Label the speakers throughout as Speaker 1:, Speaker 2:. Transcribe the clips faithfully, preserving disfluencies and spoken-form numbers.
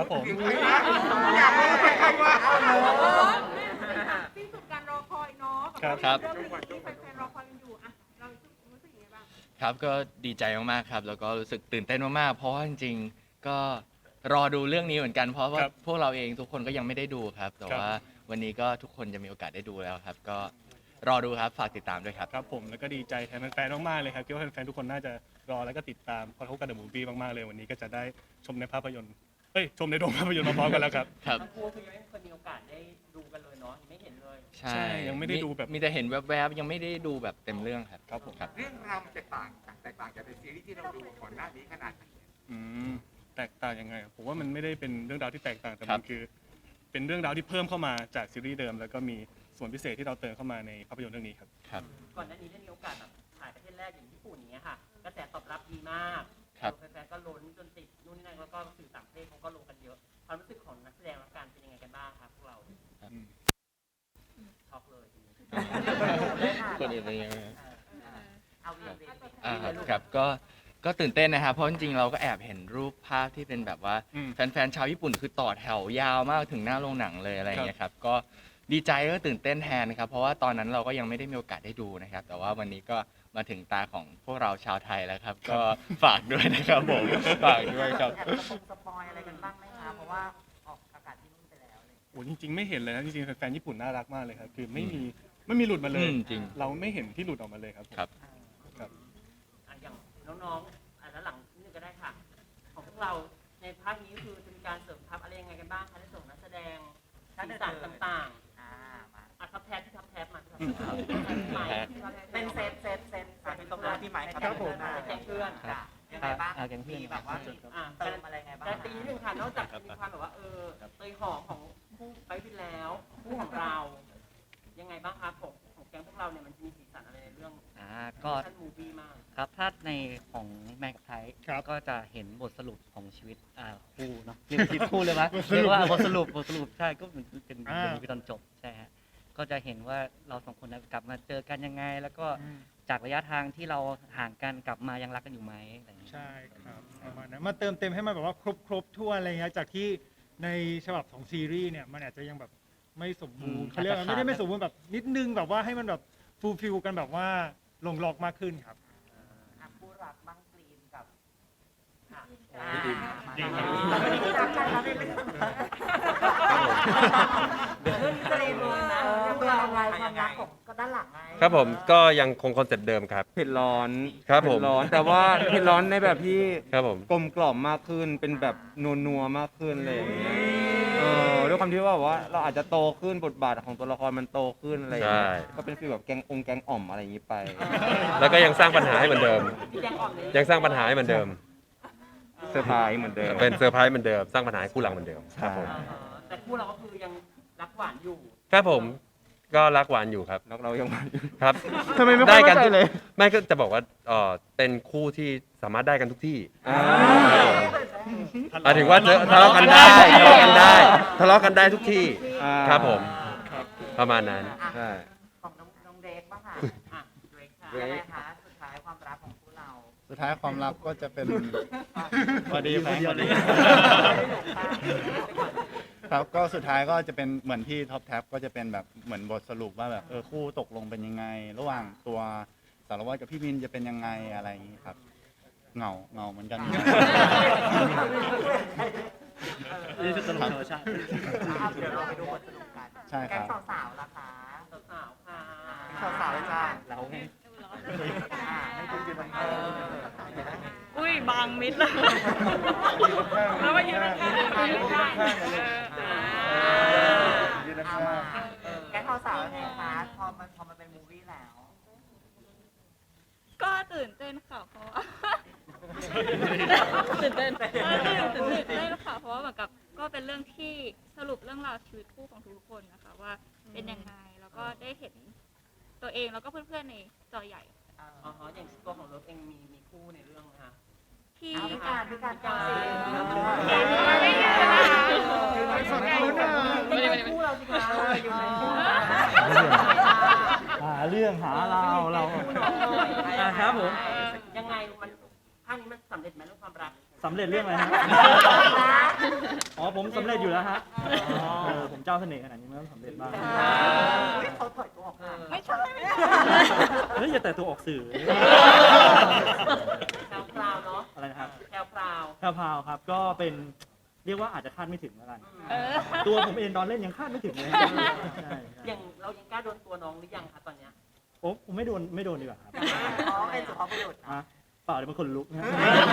Speaker 1: ครับผม
Speaker 2: อยากรู้ใครว่า
Speaker 3: สิ้นสุดการรอคอยเนาะ
Speaker 1: ครับ
Speaker 3: กับเรื่องนี้ที่แฟนๆรอคอยกันอยู่อ่ะเรารู้สึกยังไงบ้าง
Speaker 4: ครับก็ดีใจมากๆครับแล้วก็รู้สึกตื่นเต้นมากๆเพราะว่าจริงๆก็รอดูเรื่องนี้เหมือนกันเพราะว่า
Speaker 1: ครับ
Speaker 4: พวกเราเองทุกคนก็ยังไม่ได้ดูครับแต่
Speaker 1: ครับ
Speaker 4: ว่าวันนี้ก็ทุกคนจะมีโอกาสได้ดูแล้วครับ ก็รอดูครับฝากติดตามด้วยครับ
Speaker 1: ครับผมแล้วก็ดีใจแทนแฟนๆมากๆเลยครับคิดว่าแฟนๆทุกคนน่าจะรอแล้วก็ติดตามพอทบกันเดอะมูฟวี่มากๆเลยวันนี้ก็จะได้ชมในภาพยนตร์เอ้ยชมในโรงภาพยนตร์มาพร้อมกันแล้วครับ
Speaker 4: ครับ
Speaker 5: ทั้งคู่คือยังไม่เคยมีโอกาสได้ดูกันเลยเนาะยังไม่เห็นเลย
Speaker 4: ใช่
Speaker 1: ใช่ยังไม่ได้ดูแบบ
Speaker 4: มีแต่เห็นแวบๆยังไม่ได้ดูแบบเต็มเรื่องครับ
Speaker 1: ครับผม
Speaker 4: ครับ
Speaker 2: เรื่องราวมันแตกต่างแตกต่างจากในซีรีส์ที่เราดูก่อนหน้านี้ขนาดไหน
Speaker 1: อืมแตกต่างยังไงผมว่ามันไม่ได้เป็นเรื่องราวที่แตกต่างแต่
Speaker 4: ครั
Speaker 1: มัน
Speaker 4: บ
Speaker 1: คือ เป็นเรื่องราวที่เพิ่มเข้ามาจากซีรีส์เดิม แล้วก็มีส่วนพิเศษที่เราเติมเข้ามาในภาพยนตร์เรื่องนี้ครับ
Speaker 4: ครับ
Speaker 5: ก่อนหน้านี้ได้มีโอกาสแบบถ่ายประเทศแรกอย่างญี่ปุ่นอย่างเงี้ยค่ะกระแสตอบรับดีมาก
Speaker 4: ครับ
Speaker 5: แฟนๆก็ล้นจนติดนู่นนี่นั่นแล้วก็สื่อต่างประเทศเขาก็ลงกันเยอะความรู้สึกของนักแสดงและการเป็นยังไงกันบ้างครับพวกเราช็อกเลยทีนี้
Speaker 4: คนอื่นเป็นยังไง
Speaker 5: เอาเรื่องเวที
Speaker 4: อ่าครับก็ก็ตื่นเต้นนะครับเพราะจริงๆเราก็แอบเห็นรูปภาพที่เป็นแบบว่า
Speaker 1: อืม
Speaker 4: แฟนๆชาวญี่ปุ่นคือต่อแถวยาวมากถึงหน้าโรงหนังเลยอะไรอย่างเงี้ยครับก็ดีใจก็ตื่นเต้นแทนนะครับเพราะว่าตอนนั้นเราก็ยังไม่ได้มีโอกาสได้ดูนะครับ แต่ว่าวันนี้ก็มาถึงตาของพวกเราชาวไทยแล้วครับ ก็ฝากด้วยนะครับผมฝากด้วยครับ
Speaker 6: แอบสปงสปอยอะไรกันบ้างไหมคะเพราะว่าออกอากาศที่นู่นไปแล้วเลย
Speaker 1: โอ้จริงๆไม่เห็นเลยนะจริงๆแฟนๆญี่ปุ่นน่ารักมากเลยครับคือไม่มีไม่มีหลุดมาเลย
Speaker 4: อืมจริง
Speaker 1: เราไม่เห็นที่หลุดออกมาเลยครับผม
Speaker 4: ครับ
Speaker 1: ครับ
Speaker 5: อ่ะอย่างน้องๆอ่ะแล้วหลังนิดนึงก็ได้ค่ะ ของพวกเราในภาคนี้คือจะมีการเสริมทัพอะไรยังไงกันบ้างคะในส่วนของนักแสดงสีสันต่าง
Speaker 6: อ่ามา
Speaker 5: ๆอ่ะทัพแทบที่ทัพแทบมาที่ทัพแทบที่ไมค์ที่ทัพแทบ
Speaker 6: เป็นเซตเซตเซต
Speaker 5: อ่ะเป็นตบมือพี่ไมค์ครับ
Speaker 1: ครับผม
Speaker 5: แก๊งเพื่อน
Speaker 6: ค่ะยังไงบ้าง
Speaker 4: อ่าแก๊งเพื่อน
Speaker 6: มีแบบว่ามี
Speaker 5: อ่ะ
Speaker 6: เติมอะไรไงบ้าง
Speaker 5: การตีนิดนึงค่ะนอกจากมีความแบบว่าเออเตยหอมของคู่ไปบินแล้วคู่ของเรา ยังไงบ้างครับของของแก๊งพวกเราเนี่ยมันจะมีสีสันอะไรในเรื่อง
Speaker 7: อ่าก็
Speaker 5: ท่านมูฟี่มาก
Speaker 7: ครับถ้าในของแมนกับไทย
Speaker 1: ครับ
Speaker 7: ก็จะเห็นบทสรุปของชีวิตอ่าคู่เนาะเรียกว่าชีวิตคู่เลยไหมเรียกว่าบทสรุปบทสรุปใช่ก็เหมือนเป็น
Speaker 1: อ่า
Speaker 7: เป็นตอนจบใช่ฮะก็จะเห็นว่าเราสองคนนะกลับมาเจอกันยังไง แล้วก็จากระยะทางที่เราห่างกันกลับมายังรักกันอยู่ไหมอะไรอย่างเงี้ย
Speaker 8: ใช่ครับประมาณนั้นมาเติมเต็มให้มันแบบว่าครบครบทั่วอะไรเงี้ยจากที่ในฉบับของซีรีส์เนี่ยมันอาจจะยังแบบไม่สมบูรณ์เขาเรียกว่าไม่ได้ไม่สมบูรณ์แบบนิดนึงแบบว่าให้มันแบบฟูลฟิลกันแบบว่าลงล็อกมากขึ้นครับ
Speaker 6: อ่ะคู่รักบ้างกรีนกับ
Speaker 5: ค่ะ
Speaker 6: อ่า
Speaker 1: ดี
Speaker 6: มา
Speaker 1: ดี
Speaker 6: เราไม่ได้รักกันเราไม่เป็นเรื่องนี้จะเรียนรู้นะเรื่องอะไรความรักของก็ด้านหลังไง
Speaker 9: ครับผมก็ยังคงคอนเซ็ปต์เดิมครับ
Speaker 10: เผ็ดร้อน
Speaker 9: ครับผม
Speaker 10: เผ็ดร้อน แต่ว่าเผ็ดร้อนในแบบที่
Speaker 9: ครับผม
Speaker 10: กลมกล่อมมากขึ้น เป็นแบบนัวนัวๆมากขึ้นอะไรอย่างเลยเออด้วยความที่ว่าแบบว่าเราอาจจะโตขึ้นบทบาทของตัวละครมันโตขึ้นอะไรอย่าง
Speaker 9: ใช่
Speaker 10: เงี้ยก็เป็นฟีลแบบแกงองค์แกงอ่อมอะไรอย่างงี้ไป
Speaker 9: แล้วก็ยังสร้างปัญหาให้เหมือนเดิม
Speaker 5: พี่แจงออกเลย
Speaker 9: ยังสร้างปัญหาให้เหมือนเดิม
Speaker 10: เซอร์ไพรส์เหมือนเดิม
Speaker 9: เป็นเซอร์ไพรส์เหมือนเดิม สร้างปัญหาให้คู่หลังเหมือนเดิมครับผม
Speaker 5: อ่าฮะแต่คู่เราก็คือยังรักหวานอยู่
Speaker 9: ครับผมก็รักหวานอยู่ครับ
Speaker 10: แล้วเรายัง
Speaker 9: ครับ
Speaker 10: ทำไมไม่ค่อย
Speaker 9: กั
Speaker 10: มั่นใจเลย
Speaker 9: ไม่ก็จะบอกว่าเออเป็นคู่ที่สามารถได้กันทุกที่
Speaker 10: อ่า
Speaker 9: หมายถึงว่าเจอทะเลาะกันได้ทะเลาะกันได้ทะเลาะกันได้ทุกที่
Speaker 10: อ่า
Speaker 9: ครับผมประมาณนั้น
Speaker 6: อ่ะ
Speaker 10: ใช่
Speaker 6: ของน้องน้องเดกบ้างค่ะ
Speaker 5: อ่ะเดรกค่ะ
Speaker 6: ยังไงคะสุดท้ายความรักของคู่เรา
Speaker 8: สุดท้ายความรักก็จะเป็น
Speaker 1: พอดีแฟนพอดี
Speaker 8: ครับก็สุดท้ายก็จะเป็นเหมือนที่ท็อปแท็บก็จะเป็นแบบเหมือนบทสรุปว่าแบบเออคู่ตกลงเป็นยังไง ระหว่างตัวสารวัตรกับพี่มินจะเป็นยังไงอะไรอย่างนี้ครับเหงาเหงาเหมือนกัน
Speaker 7: นี่คือตลกธรรมชาติ
Speaker 6: อ่ะเดี๋ยวเราไปดูบทสรุปกัน
Speaker 8: ใช่ครับ
Speaker 6: แก๊งสาวๆล่ะคะ
Speaker 5: สาวๆค่ะ
Speaker 6: สาวๆจ้า
Speaker 7: เราไง
Speaker 6: อ่าให้คุณยืนเออเดี๋ยวนะ
Speaker 3: อุ้ยบางมิดเลยแล้วมายืนข้างๆยืนข้างๆ
Speaker 6: ยืนข้างแก๊งสาวๆไงคะพอมันพอมันเป็นมูวี่แล้ว
Speaker 3: ก็ตื่นเต้นค่ะเพราะว่าตื่นเต้นเออตื่นเต้นค่ะเพราะว่าเหมือนกับก็เป็นเรื่องที่สรุปเรื่องราวชีวิตคู่ของทุกคนนะคะว่าเป็นยังไงแล้วก็ได้เห็นตัวเองแล้วก็เพื่อนๆในจอใหญ่
Speaker 5: อ๋อฮะอย่างตัวของรถเองมีมีคู่ในเรื่องนะคะ
Speaker 3: ที่
Speaker 6: เอาพิการพิการก่อน
Speaker 3: ไม่ยืนนะคะ
Speaker 6: ไม่ได้คู่เราสิคะอยู่ในคู่
Speaker 7: หาเรื่องหาเราเรา
Speaker 5: อ่าครับผมยังไงมันภาคนี้มันสำเร็จไหมเรื่องความรัก
Speaker 7: สำเร็จเรื่องอะไรฮะ อ๋อผมสำเร็จอยู่แล้วฮะเออผมเจ้าเสน่ห์ขนาดนี้ไม่ต้องสำเร็จบ้าง
Speaker 6: อุ๊ยเขาถอยตัวออกมาไม่ใช่
Speaker 7: เฮ้ยอย่าแต่ตัวออกสื่อ
Speaker 5: แพรวพราวเนาะ
Speaker 7: อะไรนะครับ
Speaker 5: แพรวพราว
Speaker 7: แพรวๆครับก็เป็นเรียกว่าอาจจะคาดไม่ถึงแล้วกัน
Speaker 3: เออ
Speaker 7: ตัวผมเองตอนเล่นยังคาดไม่ถึงเลยใช่
Speaker 5: อย่างเรายังกล้าโดนตัวน้องหรือยังคะตอนเนี้ย
Speaker 7: โอ้ผมไม่โดนไม่โดนดีกว่าครับ
Speaker 6: อ๋อเป็นสุภาพบุรุษ
Speaker 7: ฮะเปล่าเดี๋ยวมันคนลุกนะ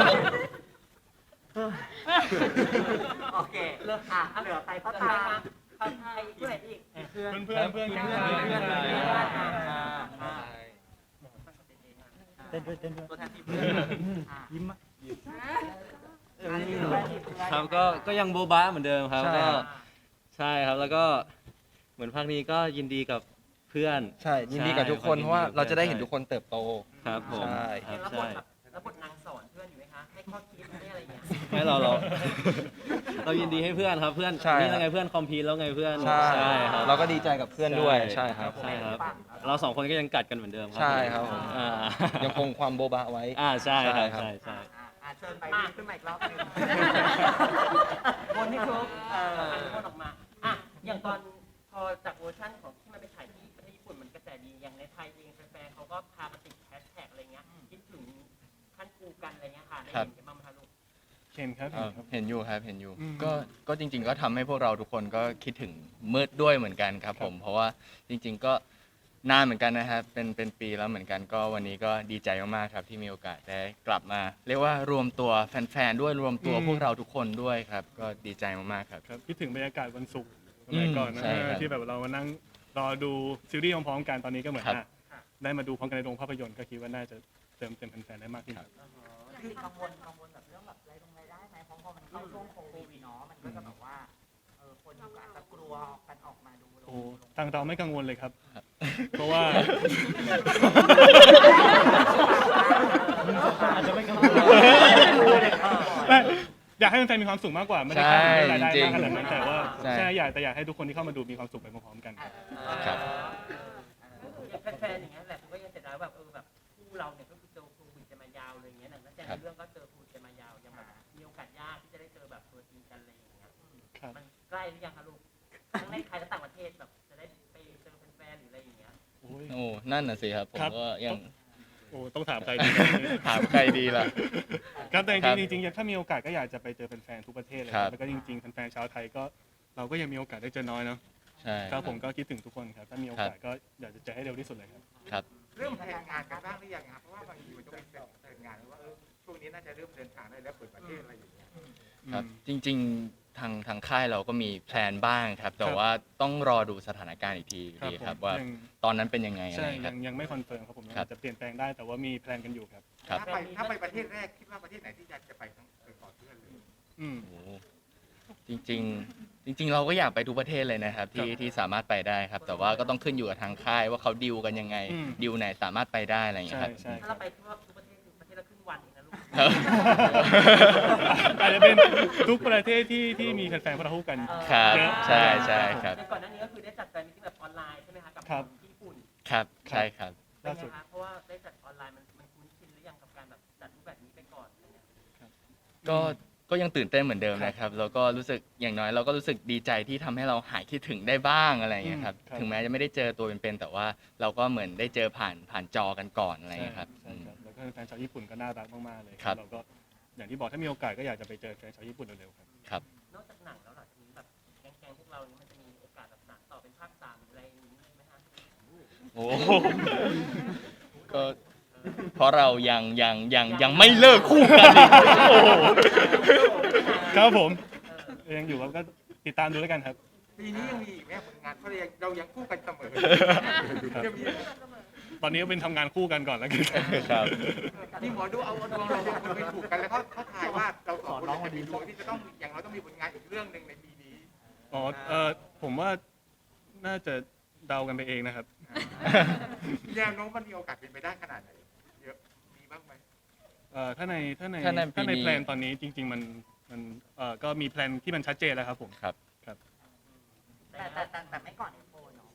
Speaker 6: โอเคเลิกอ่ะเหลือใครก็
Speaker 5: ใคร
Speaker 6: ตาม
Speaker 5: คะใครใครผู้ไหนอีก
Speaker 1: เพื่อนเพื่อนเพื่อนเพื่อน
Speaker 5: เพื่อนเพื่อนเพื่อน
Speaker 7: เต้นด้วยเต้นด้วย
Speaker 6: ตัวแทนทีมเพื่อนอ่ะ
Speaker 7: ยิ้มมา
Speaker 10: ครับก็ก็ยังโบบะเหมือนเดิมครับ
Speaker 7: ใช่
Speaker 10: ก็
Speaker 7: ครับ
Speaker 10: ใช่ครับแล้วก็เหมือนภาคนี้ก็ยินดีกับเพื่อน
Speaker 4: ใช่ยินดีกับทุกคนเพราะว่าเราจะได้เห็นทุกคนเติบโต
Speaker 10: ครับผม
Speaker 4: ใช่
Speaker 10: ครับ
Speaker 5: แล้วบ
Speaker 10: ใช่
Speaker 5: ทแบบแล้วบทนางสอนเพื่อนอยู่ไหมคะ ให้ข้อคิดให้อะไรอย่างเงี้ย
Speaker 10: ไม่เราเรา เรายินดีให้เพื่อนครับเพื่อน
Speaker 4: ใช่
Speaker 10: นี่
Speaker 4: ครับ
Speaker 10: ยังไงเพื่อนคอมพีแล้วไงเพื่อน
Speaker 4: ใช่
Speaker 10: ครับ
Speaker 4: เราก็ดีใจกับเพื่อนด้วยใช่ครับ
Speaker 10: ใช่ครับ เราสองคนก็ยังกัดกันเหมือนเดิมครั
Speaker 4: ใช่ครับผม
Speaker 10: อ่า
Speaker 4: ยังคงความโบบะไว้
Speaker 10: อ่าใช่ครับ
Speaker 4: ใช่ครับ
Speaker 10: ใช่ใช่
Speaker 6: อ่ะอ่ะเชิญไปขึ้นมาอีกรอบหนึง
Speaker 5: วนให้ครบเอ่ออันนี้วนออกมา อ่ะ อย่างตอนพอจากเวอร์ชันของที่มันไปถ่ายที่ประเทศญี่ปุ่นมันกระแสดี อย่างในไทยเองแฟนๆเขาก็พามาติดแฮชแท็กอะไรเงี้ย คิดถึงขั้นกูกันอะไรเงี้ยค่ะ ได้เห็นกันบ้างไหมคะลูก
Speaker 1: เห็นครับ
Speaker 4: เอ่อเห็นอยู่ครับเห็นอยู่
Speaker 1: อืม
Speaker 4: ก็ก็จริง ๆ ก็ทำให้พวกเราทุกคนก็คิดถึงมืดด้วยเหมือนกันครับผม เพราะว่าจริง ๆ ก็นานเหมือนกันนะครับเป็นเป็นปีแล้วเหมือนกันก็วันนี้ก็ดีใจมากๆครับที่มีโอกาสได้กลับมา เรียกว่ารวมตัวแฟนๆด้วยรวมตัวพวกเราทุกคนด้วยครับ ก็ดีใจมากๆครับ
Speaker 1: ครับคิดถึงบรรยากาศวันศุกร์สมัยก่อนนะ
Speaker 4: ใช่ครับ
Speaker 1: ที่แบบเรามานั่งรอดูซีรีส์พร้อมๆกันตอนนี้ก็เหมือน
Speaker 4: ครับ
Speaker 1: อ่ะได้มาดูพร้อมกันในโรงภาพยนตร์ก็คิดว่าน่าจะเติมเต็มแฟนๆได้มากขึ้นครับ
Speaker 6: จริงๆกังวลกังวลแบบเรื่องแบบรายลงรายได้ไหมเพราะพอมันเข้าช่วงโควิดเนาะมันก็จะแบบว่าเออคนก็อาจจะกลัวกันออกมาดู
Speaker 1: โอ้ทางเราไม่กังวลเลยครับ เพราะว่า
Speaker 7: อาจจะไม่กังวล
Speaker 1: ไม่อยากให้แฟนๆมีความสุขมากกว่าไม่ได้คาดหวังเรื่องรายได้
Speaker 4: ใช่
Speaker 1: มากขนาดนั้นแต่ว่า
Speaker 4: ใช่
Speaker 1: ใช่อยากแต่อยากให้ทุกคนที่เข้ามาดูมีความสุขไปพร้อมๆกัน
Speaker 4: ครับ
Speaker 5: อย่างแฟนๆอย่างเงี้ยแหละผมก็ยังเสียดายแบบเออแบบคู่เราเนี่ยก็คือเจอโควิดกันมายาวเลยอย่างเงี้ยหนังนักแสดงในเรื่องก็เจอโควิดกันมายาวยังแบบมีโอกาสยากที่จะได้เจอแบบตัวจริงกันอะไรอย่างเงี้ย
Speaker 1: ครับ
Speaker 5: มันใกล้หรือยังคะลูกทั้งในไทยและต่างประเทศแบบจะได้ไปเจอแฟนๆหรืออะไรอย่างเงี้ย
Speaker 1: โอ้ย
Speaker 4: โอ้นั่นน่ะสิครับผม
Speaker 1: ครับ
Speaker 4: ก็ยัง
Speaker 1: โอ้ต้องถามใครดี
Speaker 4: ถามใครดีล่ะ
Speaker 1: ครับแต่
Speaker 4: ครับ
Speaker 1: จริงๆถ้ามีโอกาสก็อยากจะไปเจอแฟนๆทุกประเทศเลย
Speaker 4: ครับ
Speaker 1: แล้วก็จริงๆแฟนๆชาวไทยก็เราก็ยังมีโอกาสได้เจอน้อยเนาะ
Speaker 4: ใช่
Speaker 1: ครับผมก็คิดถึงทุกคนครับถ้ามีโอกาสก็อยากจะเจอให้เร็วที่สุดเลยครับ
Speaker 4: ครับ
Speaker 2: เริ่มแผนงานกันบ้างหรือยังครับเพราะว่าบางทีมันต้องมีแผนงานว่าเออช่วงนี้น่าจะเริ่มเดินทางได้แล้วเปิดประเทศอะไรอย่างเงี้ย
Speaker 4: ครับจริงๆทางทางค่ายเราก็มีแพลนบ้างครับ แต่
Speaker 1: ครับ
Speaker 4: ว่าต้องรอดูสถานการณ์อีกทีอยู่ดี
Speaker 1: ผม
Speaker 4: ครับว่า
Speaker 1: ยัง
Speaker 4: ตอนนั้นเป็นยังไงอะไร
Speaker 1: ใช่
Speaker 4: ค
Speaker 1: ยั
Speaker 4: รับ
Speaker 1: งยังไม่คอนเฟิร์มครับผมยัง
Speaker 4: ครับ
Speaker 1: อาจจะเปลี่ยนแปลงได้แต่ว่ามีแพลนกันอยู่ครับ
Speaker 4: ครับ
Speaker 2: ถ้าไปถ้าไปประเทศแรกคิดว่าประเทศไหนที่อยากจะไปทั้งไปก่อนเพื่อนเลย
Speaker 1: อืม
Speaker 4: โอ้โหจริง ๆ จริง ๆ เราก็อยากไปทุกประเทศเลยนะครับ ที่
Speaker 1: ครับ
Speaker 4: ที่สามารถไปได้ครับ แต่ว่าก็ต้องขึ้นอยู่กับทางค่ายว่าเขาดิวกันยังไง
Speaker 1: อืม
Speaker 4: ดิวไหนสามารถไปได้อะไรอย่างเงี้
Speaker 1: ใช่
Speaker 4: ยครับ
Speaker 1: ใช่
Speaker 5: ถ้า
Speaker 1: ครั
Speaker 5: เรา
Speaker 1: บ
Speaker 5: ไปทั่วทุกประเทศคือประเทศละครึ่งวันเองนะลูก
Speaker 4: ครับ
Speaker 1: อาจจะเป็นทุกประเทศที่ที่มีแฟนๆพวกเราคู่กัน
Speaker 4: ครับ
Speaker 1: เยอะ
Speaker 4: ใช่ใช่ครับ
Speaker 5: แต่ก่อนหน้านี้ก็คือได้จัดแฟนมิตติ้งแบบออนไลน์ใช่ไหมคะกับ
Speaker 1: ครับ
Speaker 5: ที่ญี่ปุ่น
Speaker 4: ครับใช่ครับ
Speaker 5: เป็น
Speaker 1: ล่า
Speaker 5: ไง
Speaker 1: สุด
Speaker 5: คะเพราะว่าได้จัดออนไลน์มันมันคุ้นชินหรือยังกับการแบบจัดรูปแบบนี้ไปก่อนอะไรเงี้ย
Speaker 4: ก็ก็ยังตื่นเต้นเหมือนเดิมนะครับ แล้วก็รู้สึกอย่างน้อยเราก็รู้สึกดีใจที่ทำให้เราหายคิดถึงได้บ้างอะไรอย่างเงี้ยครับ
Speaker 1: อืมครับ
Speaker 4: ถึงแม้จะไม่ได้เจอตัวเป็นๆแต่ว่าเราก็เหมือนได้เจอผ่านผ่านจอกันก่อนอะไรอย่างเงี้ยครับ
Speaker 1: ใช่ครับแล้วก็แฟนชาวญี่ปุ่นก็น่ารักมากๆเลย
Speaker 4: ครับ
Speaker 1: เราก็อย่างที่บอกถ้ามีโอกาสก็อยากจะไปเจอแฟนชาวญี่ปุ่นเร็วๆครับ
Speaker 4: ครับ
Speaker 5: นอกจากหนังแล้วหลังจากนี้แบบแก๊งๆพวกเรานี่มันจะมีโอกาสแบบสานต่อเป็นภาคสามหรืออะไรอย่างนี้ไหมคะ
Speaker 4: โอ้โหก็เพราะเรายังยังยังยังไม่เลิกคู่กันอีกโอ้โห
Speaker 1: ครับผมยังอยู่ครับก็ติดตามดูแล้วกันครับ
Speaker 2: ปีนี้ยังมีอีกไหมผลงานเพราะเรายังเรายังคู่กันเสมอ
Speaker 1: ครับ
Speaker 2: ยังมี
Speaker 1: ตอนนี้ก็เป็นทำงานคู่กันก่อนแล้วกัน
Speaker 4: ครับ
Speaker 2: นี่หมอดูเอาดวงเราสองคนไปถูกกันแล้วเขาเขาทายว่าเราสองคนจะมีดวงที่จะต้องอย่างเราต้องมีผลงานอีกเรื่องหนึ่งในปีนี้
Speaker 1: อ๋อเออผมว่าน่าจะเดากันไปเองนะครับ
Speaker 2: แนวโน้มมันมีโอกาสเป็นไปได้ขนาดไหนเยอะมีบ้างไหม
Speaker 1: เอ่อถ้าในถ้าใน
Speaker 4: ถ้าในปี
Speaker 1: ถ้าใน
Speaker 4: นี้
Speaker 1: แพลนตอนนี้จริง ๆ มันมันเอ่อก็มีแพลนที่มันชัดเจนแล้วครับผม
Speaker 4: ครับ
Speaker 6: แต่แต่แต่แต่ไม่ก่อนเอฟโฟเนาะ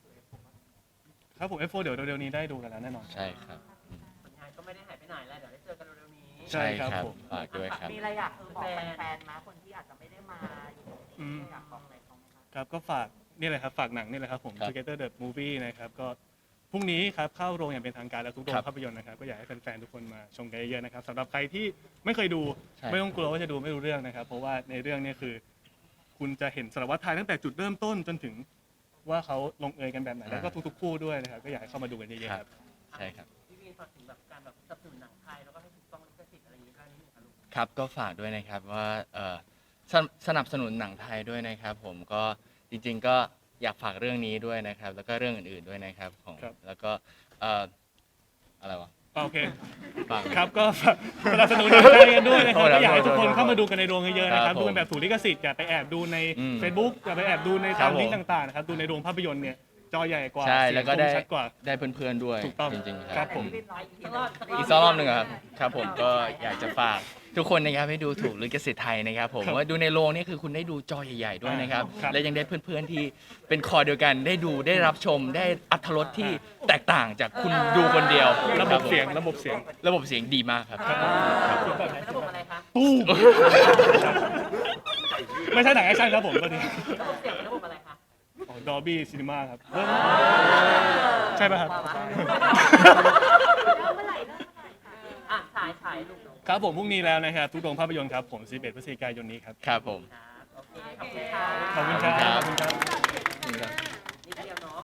Speaker 1: ครับผม เอฟ โฟร์ เดี๋ยวเร็วๆนี้ได้ดูกันแล้วแน่นอน
Speaker 4: ใช่ครับ
Speaker 5: ผลงานก็ไม่ได้หายไปไหนแล้วเดี๋ยวได้เจอกันเร็วๆนี้
Speaker 1: ใช่ครับผม
Speaker 4: ฝากด้วยครับ
Speaker 6: มีอะไรอยากเออบอกแฟนๆมาคนที่อาจจะไม่ได้มาอยู่ตรง
Speaker 1: อืม
Speaker 6: นี้อยากบอกอะไรเขาไหมคะ
Speaker 1: ครับก็ฝากนี่เลยครับฝากหนังนี่เลยครับผม
Speaker 4: ครับ
Speaker 1: Together the Movie นะครับก็พรุ่งนี้ครับเข้าโรงอย่างเป็นทางการแล้วทุกโร
Speaker 4: ครั
Speaker 1: ง
Speaker 4: บ
Speaker 1: ภาพยนตร์นะครับก็อยากให้แฟนๆทุกคนมาชมกันเยอะๆนะครับสำหรับใครที่ไม่เคยดู
Speaker 4: ใช่
Speaker 1: ไม่ต้องกลัวว่าจะดูไม่รู้เรื่องนะครับ เพราะว่าในเรื่องนี้คือ คุณจะเห็นสารวัตรไทยตั้งแต่จุดเริ่มต้นจนถึงว่าเขาลงเอยกันแบบไหนแล้วก็ทุกๆคู่ด้วยนะครับก็อยากให้เข้ามาดูกันเยอะๆครับ
Speaker 4: ใช่ครับ
Speaker 5: พี่วินฝากถึงแบบการแบบสนับสนุนหนังไทยแล้วก็ให้ถูกต้องลิขสิทธิ์อะไรอย่างนี้ได้นิดนึงค่ะลูก
Speaker 4: ครับก็ฝากด้วยนะครับว่าเอ่อสนสนับสนุนหนังไทยด้วยนะครับ ผมก็จริงๆก็อยากฝากเรื่องนี้ด้วยนะครับ แล้วก็เรื่องอื่นๆด้วยนะครับของ
Speaker 1: ครับ
Speaker 4: แล้วก็เอ่ออะไรวะ
Speaker 1: โอเค
Speaker 4: ฝาก
Speaker 1: ครับก็ฝากสนับสนุนหนังไทยกันด้วยนะครับ
Speaker 4: โทษครับ
Speaker 1: ก็อยากให้ทุกคน
Speaker 4: โทษครับ
Speaker 1: เข้ามาดูกันในโรงเยอะๆนะค
Speaker 4: ครั
Speaker 1: รับบ
Speaker 4: ผม
Speaker 1: ดูกันแบบถูกลิขสิทธิ์อย่าไปแอบดูใน
Speaker 4: อืม
Speaker 1: Facebook อย่าไปแอบดูใน
Speaker 4: ครั
Speaker 1: ตา
Speaker 4: บ
Speaker 1: ม
Speaker 4: ผม
Speaker 1: ลิงก์ต่างๆนะครับดูในโรงภาพยนตร์เนี่ยจอใหญ่กว่า
Speaker 4: ใช่
Speaker 1: เสียง
Speaker 4: แล้วก็
Speaker 1: ค
Speaker 4: ได้
Speaker 1: มชัดกว่า
Speaker 4: ได้เพื่อนๆด้วย
Speaker 1: ถูกต้อง
Speaker 4: จริงๆ
Speaker 1: ค
Speaker 4: ค
Speaker 1: รั
Speaker 4: รั
Speaker 1: บบ ผม
Speaker 6: พี่วินร้อยอีกที
Speaker 5: สักรอบสักรอบ
Speaker 4: อีกสักรอบหนึ่งเหรอครับครับผมก็อยากจะฝากทุกคนนะครับให้ดูถูกลิขสิทธิ์ไทยนะครับผม
Speaker 1: ครับ
Speaker 4: ว่าดูในโรงนี่คือคุณได้ดูจอใหญ่ๆด้วยนะครับ
Speaker 1: ครับ
Speaker 4: และยังได้เพื่อนๆที่เป็นคอเดียวกันได้ดูได้รับชมได้อรรถรสที่แตกต่างจากคุณดูคนเดียว
Speaker 1: ระบบเสียง
Speaker 4: ค
Speaker 1: ระบบเสียง
Speaker 4: ผมระบบเสียงดีมากครับ
Speaker 5: ระบบอะไรคะ
Speaker 1: ตู้มไม่ใช่หนังแอคชั่นครับผมตัวนี้
Speaker 5: ระบบเสียงเป็นระบบอะไรคะ
Speaker 1: ดอบี้ซีนีมาครับใช่ป่ะครับ
Speaker 5: อ่ะฉายฉายลูก
Speaker 1: ครับผมพรุ่งนี้แล้วนะครับทุกโรงภาพยนตร์ครับผมสิบเอ็ดพฤศจิกายนนี้ครับ
Speaker 4: ครับผม
Speaker 5: โอเคขอบคุณค่ะ
Speaker 1: ขอบคุณครับขอบคุณครับ